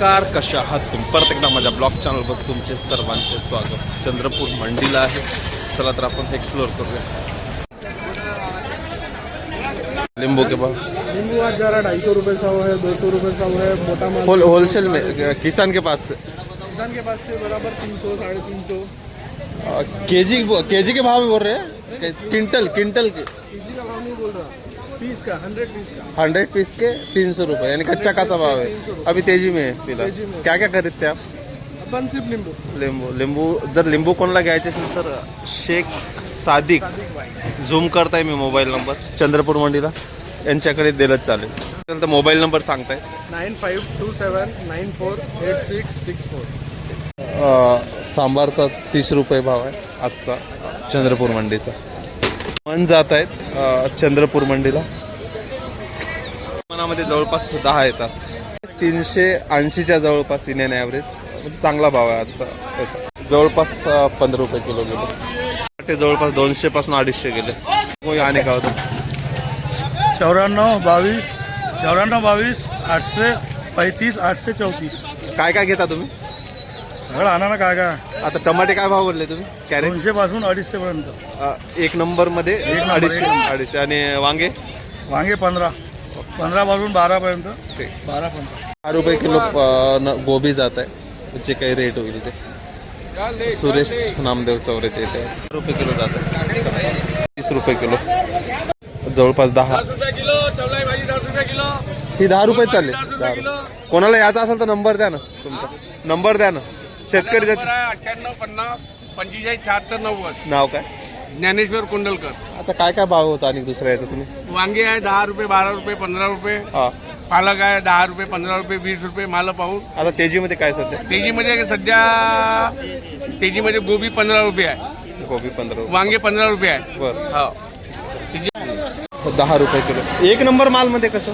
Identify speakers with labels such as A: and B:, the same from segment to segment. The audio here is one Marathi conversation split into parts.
A: नमस्कार, कशा आहात तुम्ही? परत एकदा माझ्या ब्लॉग चॅनलवर तुमचे सर्वांचे स्वागत. चंद्रपूर मंडीला आहे. चला तर आपण एक्सप्लोर करूया. लिंबू के भाव?
B: नींबू आज जा रहा 250 रुपये 100 है, 200 रुपये 100 है. मोटा माल
A: होलसेल में किसान के पास से
B: किसान के पास से बराबर 300 350.
A: केजी के भाव में बोल रहे हैं? क्विंटल के
B: केजी का भाव नहीं बोल रहा, पीस का 100 पीस का
A: 100 पीस के 300 रुपये, यानी कच्चा का भाव है. अभी तेजी में है फिलहाल.
B: तेजी में.
A: क्या क्या खरीदते आप?
B: अपन सिर्फ नींबू.
A: लिंबू जर लिंबू कोणाला घ्यायचे असेल तर शेख सादिक, झूम करताय मी मोबाईल नंबर, चंद्रपूर मंडीला यांच्याकडे दिलंच चालेल. तर मोबाईल नंबर सांगताय?
B: 9527948664.
A: सांबारचा 30 रुपये भाव आहे आजचा चंद्रपूर मंडीचा. मन जात आहेत चंद्रपूर मंडीला. मनामध्ये जवळपास 10 येतात. 380च्या जवळपास इंडियन ॲव्हरेज, म्हणजे चांगला भाव आहे आजचा त्याचा. जवळपास 15 रुपये किलो गेले. ते जवळपास 200 पासून 250 गेले. मग आणि काय होतं?
B: 94 22 835 834.
A: काय काय घेता तुम्ही?
B: सगळं आणा ना. काय काय
A: आता टमाटे काय भाव बोलले तुम्ही? कॅरेट
B: 200 पासून 250 पर्यंत.
A: एक नंबर मध्ये 250. आणि वांगे?
B: वांगे 15 पासून 12 पर्यंत. 12 15.
A: 10 रुपये किलो गोबी जात आहे. जे काही रेट होईल ते. सुरेश नामदेव चौरेचे इथे 10 रुपये किलो जात आहे. 30 रुपये किलो, जवळपास 10. ही 10 रुपये चालले. 10 रुपये. कोणाला याचा असेल तर नंबर द्या ना तुमचा. नंबर द्या ना. शेतकरी
C: 98 50 45 76 90.
A: नाव काय?
C: ज्ञानेश्वर कुंडलकर.
A: आता काय काय भाव होता आणि दुसऱ्या याचा तुम्ही?
C: वांगे आहे 10 रुपये 12 रुपये 15 रुपये.
A: हा.
C: पालक आहे 10 रुपये 15 रुपये 20 रुपये माल पाहून.
A: आता तेजीमध्ये काय सध्या?
C: तेजीमध्ये सध्या तेजीमध्ये गोबी 15 रुपये आहे.
A: गोबी 15 रुपये.
C: वांगे 15 रुपये आहे.
A: बरं.
C: हो.
A: 10 रुपये किलो. एक नंबर मालमध्ये कसं?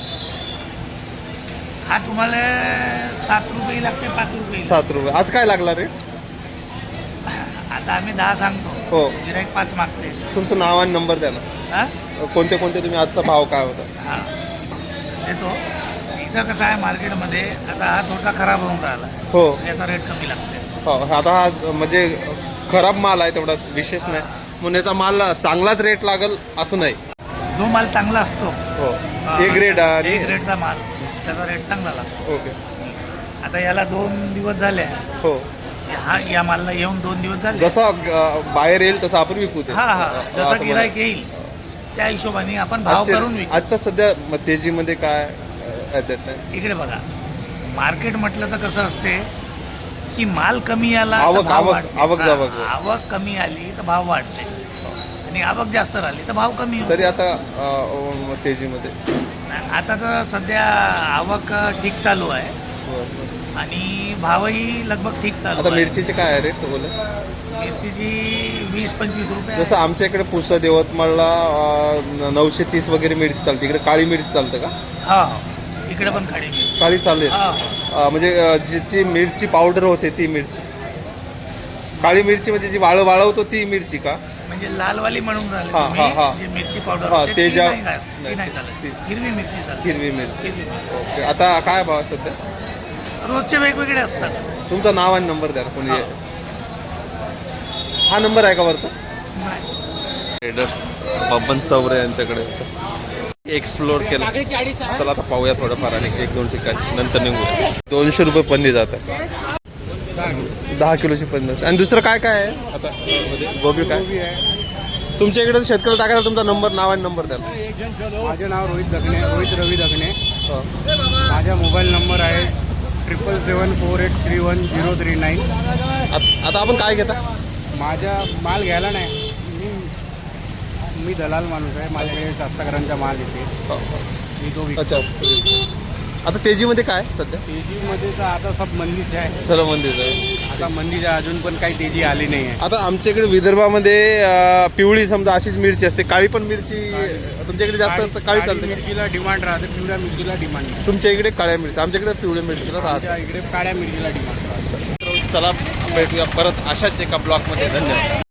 D: हा तुम्हाला 7 रुपये लागते, 5 रुपये.
A: 7 रुपये. आज काय लागला रे?
D: आता आम्ही 10 सांगतो,
A: हो.
D: गिराईक 5 मागते.
A: तुमचं नाव आणि नंबर द्या ना.
D: हा?
A: कोणते तुम्ही आजचा भाव काय होता?
D: हा. देतो. इथं कसं आहे मार्केटमध्ये, आता हा थोडा खराब होऊन राहिला,
A: हो.
D: याचा रेट कमी लागते.
A: हो. आता हा म्हणजे खराब माल आहे, तेवढा विशेष नाही. म्हणून याचा माल चांगलाच रेट लागल असं नाही.
D: जो माल चांगला असतो,
A: हो. एक ग्रेड आणि
D: एक ग्रेडचा माल, त्याचा रेट चांगला लागतो.
A: ओके.
D: आता याला 2 दिवस झाले.
A: हो.
D: या मालला येऊन 2 दिवस झाले.
A: जसा बाहेर येईल तसं आपण विकू ते.
D: हा हा,
A: असं
D: जसा
A: मला-
D: गिराईक येईल त्या हिशोबाने आपण भाव करून विकू.
A: आता सध्या तेजीमध्ये काय at that time?
D: इकडे बघा, मार्केट म्हटलं तर कसं असते की माल कमी आला तर
A: आवक-
D: भाव
A: आवक-
D: वाढते.
A: आवक
D: हा,
A: जावक.
D: आवक कमी आली तर भाव वाढते आणि आवक जास्त राहिली तर भाव कमी होतो.
A: तरी आता तेजीमध्ये
D: आता तर सध्या आवक ठीक चालू आहे आणि भावही लगभग ठीक चालू
A: आता
D: आहे.
A: मिरचीचे काय आहे रेट बोले?
D: मिरचीची 20-25 रुपये आहे.
A: जसं आमच्या इकडे पुसद यवतमाळला 930 वगैरे मिरची चालते. इकडे काळी मिरची चालतं का?
D: हा हा, इकडे पण खाडी मिरची.
A: काळी चालेल.
D: हा,
A: म्हणजे जिची मिरची पावडर होते ती मिरची. काळी मिरची म्हणजे जी वाळवतो ती मिरची का?
D: म्हणजे लालवाली म्हणून राहिले
A: हा,
D: तुम्ही,
A: हा, हा.
D: जी मिरची पावडर
A: हा,
D: होते,
A: ते
D: ती
A: ज्या-
D: नाही चालत. ती नाही चालत.
A: ती-
D: हिरवी मिरची चालते.
A: हिरवी मिरची.
D: हिरवी मिरची.
A: ओके. आता काय भाव आहे सध्या?
D: रोजचे वेगवेगळे असतात.
A: तुमचं नाव आणि नंबर द्या ना कोणी. हा नंबर आहे का वरचा? ट्रेडर्स बबन चौरे यांच्याकडे होतं. एक्सप्लोर केलं. चला आता पाहूया थोडंफार आणि 1-2 ठिकाणी, नंतर निघू. 200 रुपये पन्नी जात आहे. 10 किलोची पन्नी. आणि दुसरं काय काय आहे आता मध्ये? गोबी काय? तुमच्या इकडे शेतकरी टाकायला तुमचा नंबर, नाव आणि नंबर द्या.
B: माझे नाव रोहित रवी दगणे.
A: हो.
B: माझा मोबाईल नंबर आहे 7774831
A: आता आपण काय घेता?
B: माझा माल घ्यायला नाही, मी दलाल माणूस आहे. माझ्याकडे कास्तकारांचा माल येते,
A: हो.
B: मी तो विकतो.
A: अच्छा. आता तेजीमध्ये काय सध्या?
B: तेजीमध्ये तर आता सब मंदीच आहे.
A: सर्व मंदीच आहे.
B: आता मंदीच्या अजून पण काही तेजी आली नाही आहे.
A: आता आमच्याकडे विदर्भामध्ये पिवळी समजा अशीच मिरची असते. काळी पण मिरची तुमच्याकडे जास्त काळी
B: काळी
A: चालते?
B: मिरचीला डिमांड राहते, पिवळ्या मिरचीला डिमांड नाही.
A: तुमच्या इकडे काळ्या मिरची, आमच्याकडे पिवळ्या मिरचीला राहते.
B: आमच्या इकडे काळ्या मिरचीला डिमांड राहते.
A: चला भेटूया परत अशाच एका ब्लॉकमध्ये. धन्यवाद.